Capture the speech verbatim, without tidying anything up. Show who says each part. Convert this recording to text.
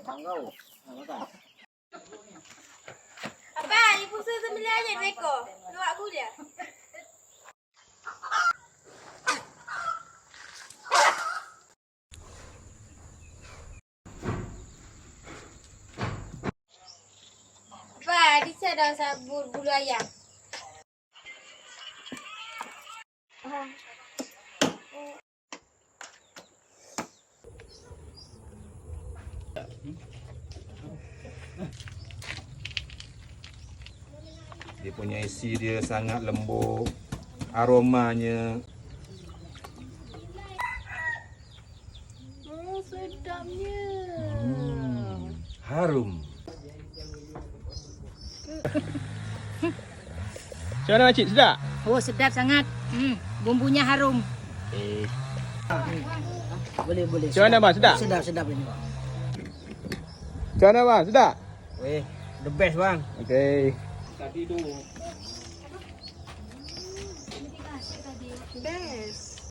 Speaker 1: Tangau. Makan.
Speaker 2: Abang, ibu suruh sembelih aja dua ekor. Luak aku dia. Abang, di sana dah sabur bulu ayam.
Speaker 3: Dia punya isi dia sangat lembut, aromanya.
Speaker 2: Oh, sedapnya.
Speaker 3: Hmm, harum.
Speaker 4: Macam mana makcik, sedap?
Speaker 5: Oh, sedap sangat. Hmm, bumbunya harum.
Speaker 4: Eh.
Speaker 1: Boleh boleh.
Speaker 4: Macam mana bang, sedap?
Speaker 1: Sedap sedap ini bang.
Speaker 4: Macam mana bang, sedap?
Speaker 1: Weh, the best bang.
Speaker 4: Okey.
Speaker 2: Best.